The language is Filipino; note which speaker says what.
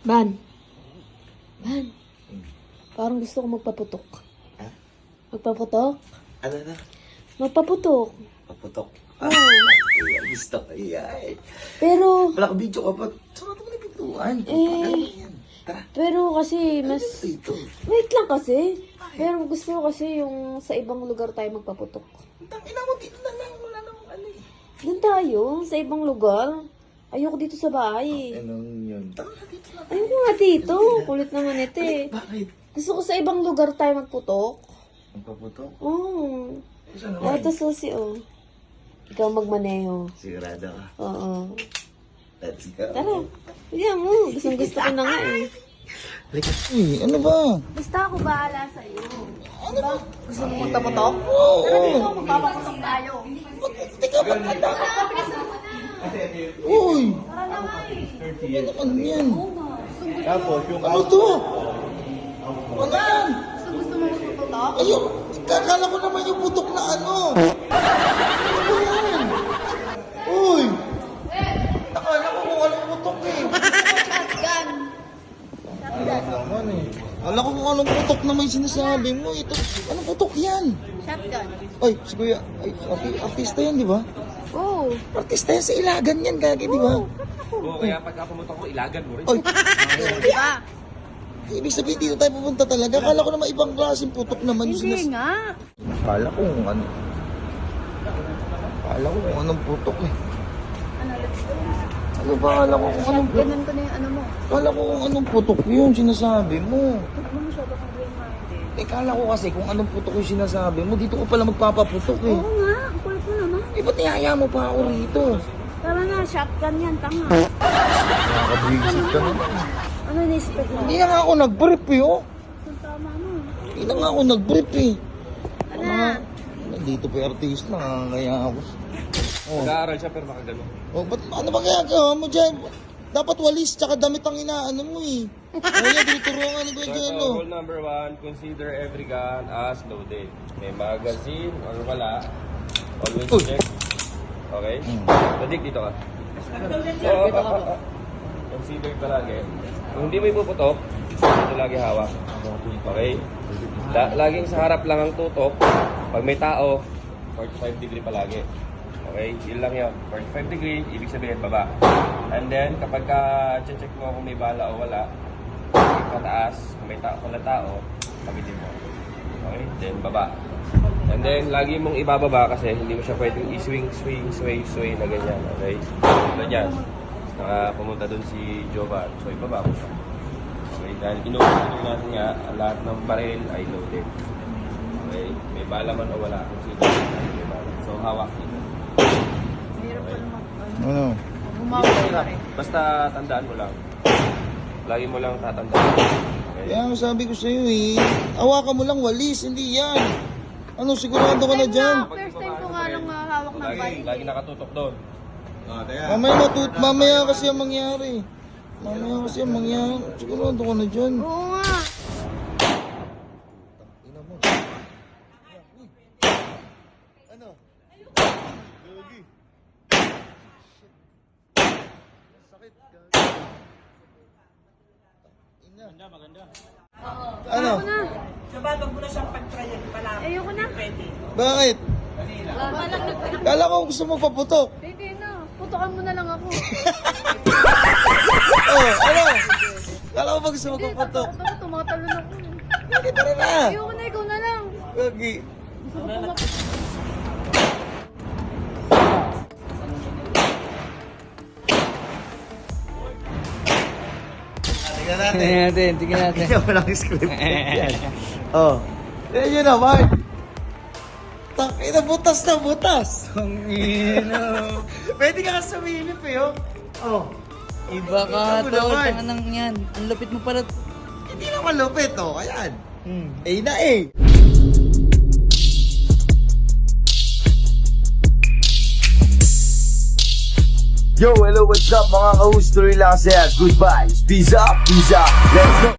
Speaker 1: Ban. Ban. Parang gusto ko magpaputok.
Speaker 2: Ha?
Speaker 1: Magpaputok?
Speaker 2: Ano na?
Speaker 1: Magpaputok.
Speaker 2: Paputok.
Speaker 1: Oo.
Speaker 2: Ay, gusto ko yan.
Speaker 1: Pero,
Speaker 2: Wala ka video ka pa. Sarap mo na pintuan. Yan. Tara.
Speaker 1: pero kasi mas...
Speaker 2: Dito.
Speaker 1: Wait lang kasi. Pero gusto ko kasi yung sa ibang lugar tayo magpaputok.
Speaker 2: Tangina mo dito na lang. Wala namang ano eh.
Speaker 1: Doon tayo, sa ibang lugar. Ayoko dito sa bahay.
Speaker 2: Anong yun? Tara na dito lang.
Speaker 1: Ayoko nga dito. Kulit naman ito eh.
Speaker 2: Bakit?
Speaker 1: Gusto ko sa ibang lugar tayo magputok.
Speaker 2: Ang paputok?
Speaker 1: Oo.
Speaker 2: Saan
Speaker 1: Oh.
Speaker 2: naman?
Speaker 1: Ito susi oh. Ikaw magmaneho.
Speaker 2: Sigurado ka.
Speaker 1: Oo.
Speaker 2: Let's go.
Speaker 1: Tara. Hindi mo. Gusto ko na nga eh.
Speaker 2: Uy, ano ba?
Speaker 1: Basta ako bahala sa iyo. Ano ba? Gusto mo magpaputok?
Speaker 2: Oo.
Speaker 1: Tara dito, magpapaputok tayo.
Speaker 2: Teka, magkanda ka. Uy,
Speaker 1: Tara na nga eh.
Speaker 2: ano naman yan?
Speaker 3: Tapos yung
Speaker 2: Ano to? Ano yan?
Speaker 1: Gusto mo magpaputok?
Speaker 2: Ayun, kakala ko naman yung putok na ano. Ano yan? Uy! Nakala ko kung anong putok eh.
Speaker 1: Shotgun.
Speaker 2: Naman eh. Kala ko kung anong putok na may sinasabi mo. Ito, anong putok yan?
Speaker 1: Shotgun.
Speaker 2: Ay, si Kuya, ay, artista yan, di ba?
Speaker 1: Oo.
Speaker 2: Artista yan sa Ilagan yan, gagi, di ba?
Speaker 3: Oo, kaya pagka pumutok ko, ilagan mo rin.
Speaker 2: Ay,
Speaker 1: Diba?
Speaker 2: ibig sabihin dito tayo pupunta talaga. Kala ko naman ibang klaseng putok naman yung
Speaker 1: Hindi nga.
Speaker 2: Kala ko kung ano. Kala ko kung anong putok eh.
Speaker 1: Ano, let's go.
Speaker 2: Ano ba? Kala ko kung anong putok.
Speaker 1: Ganun ko na yung ano mo.
Speaker 2: Kala ko kung anong putok yun sinasabi mo.
Speaker 1: Ano masyado kang green-minded?
Speaker 2: Eh, kala ko kasi kung anong putok yung sinasabi mo, dito ko pala magpapaputok eh.
Speaker 1: Oo nga. Ang kulit mo naman.
Speaker 2: Eh, ba't niyaya mo pa ako rito?
Speaker 1: Tara na, shotgun yan. Tanga.
Speaker 2: Nakakabwisit ka naman.
Speaker 1: Ano in-expect mo?
Speaker 2: Hindi na nga ako nag-brief eh, oh.
Speaker 1: Saan tama mo?
Speaker 2: Hindi na nga ako nag-brief eh.
Speaker 1: Ano?
Speaker 2: Nandito pa yung artist, nakakaya ako. Oh.
Speaker 3: Nag-aaral siya pero nakagano.
Speaker 2: Oh, ba't, ano ba kaya gawa mo dyan? Dapat walis, tsaka damit ang inaano mo eh. Kaya dito turuan ni Kuya
Speaker 3: So,
Speaker 2: Jen,
Speaker 3: ito,
Speaker 2: oh.
Speaker 3: rule number 1, consider every gun as loaded. May magazine or wala, always
Speaker 2: Uy.
Speaker 3: check. Okay? Tadik dito ka. So, consider palagi. Kung hindi mo ipuputok, ito lagi hawak. Okay? Laging sa harap lang ang tutok. Pag may tao, 45 degree palagi. Okay? Yun lang yun. 45 degree, ibig sabihin baba. And then, kapag check mo kung may bala o wala, pataas, kung may tao, kabitin mo. Okay? Then, baba. And then, lagi mong ibababa kasi hindi mo siya pwedeng sway na ganyan. Okay? Tulad yan. Pumunta dun si Jovan. So, ibaba mo siya. Okay? Dahil inuulit natin nga, lahat ng baril ay loaded. Okay? May bala man o wala. Kung sino may bala. So, hawak dito.
Speaker 1: Mahirap pa naman.
Speaker 2: Ano?
Speaker 1: Bumawal ka rin.
Speaker 3: Basta tandaan mo lang. Lagi mo lang tatandaan. Okay?
Speaker 2: Kaya ang sabi ko sa'yo eh, hawakan mo lang walis, hindi yan. Ano, sigurado ka na dyan?
Speaker 1: First time ko nga lang hawak ng bike.
Speaker 3: Lagi nakatutok doon.
Speaker 2: Mamaya kasi ang mangyari. Sigurado ka na dyan.
Speaker 1: Oo nga.
Speaker 2: Ano? Sakit. Maganda. Ano?
Speaker 1: Ayoko na.
Speaker 4: Sabado mo na siyang pag-trial pala.
Speaker 1: Ayoko na.
Speaker 2: Bakit? Kala ko gusto mo paputok.
Speaker 1: Hindi na. Putokan mo na lang ako.
Speaker 2: Oh, ano? Kala ko ba gusto mo
Speaker 1: Hindi,
Speaker 2: paputok?
Speaker 1: takot ako. Tumatalon ako.
Speaker 2: Lagi, tara na.
Speaker 1: Ayoko na. Ikaw na lang.
Speaker 2: Lagi.
Speaker 1: Gusto ko pumaputok.
Speaker 2: Tingnan natin. Walang script. Yan. Oh. Yan yun naman. Takina, butas na butas. Ang ino. Pwede ka sumilip eh, oh. Oh.
Speaker 5: Iba ka,
Speaker 2: Ikaw
Speaker 5: tol.
Speaker 2: naman.
Speaker 5: Tanganang yan. Ang lupit mo pala.
Speaker 2: Hindi naman lupit, oh. Ayan. Eh na eh.
Speaker 6: Yo, hello, what's up mga ka-host? Tuloy lang saya. Goodbye. Peace up, peace out. Let's go.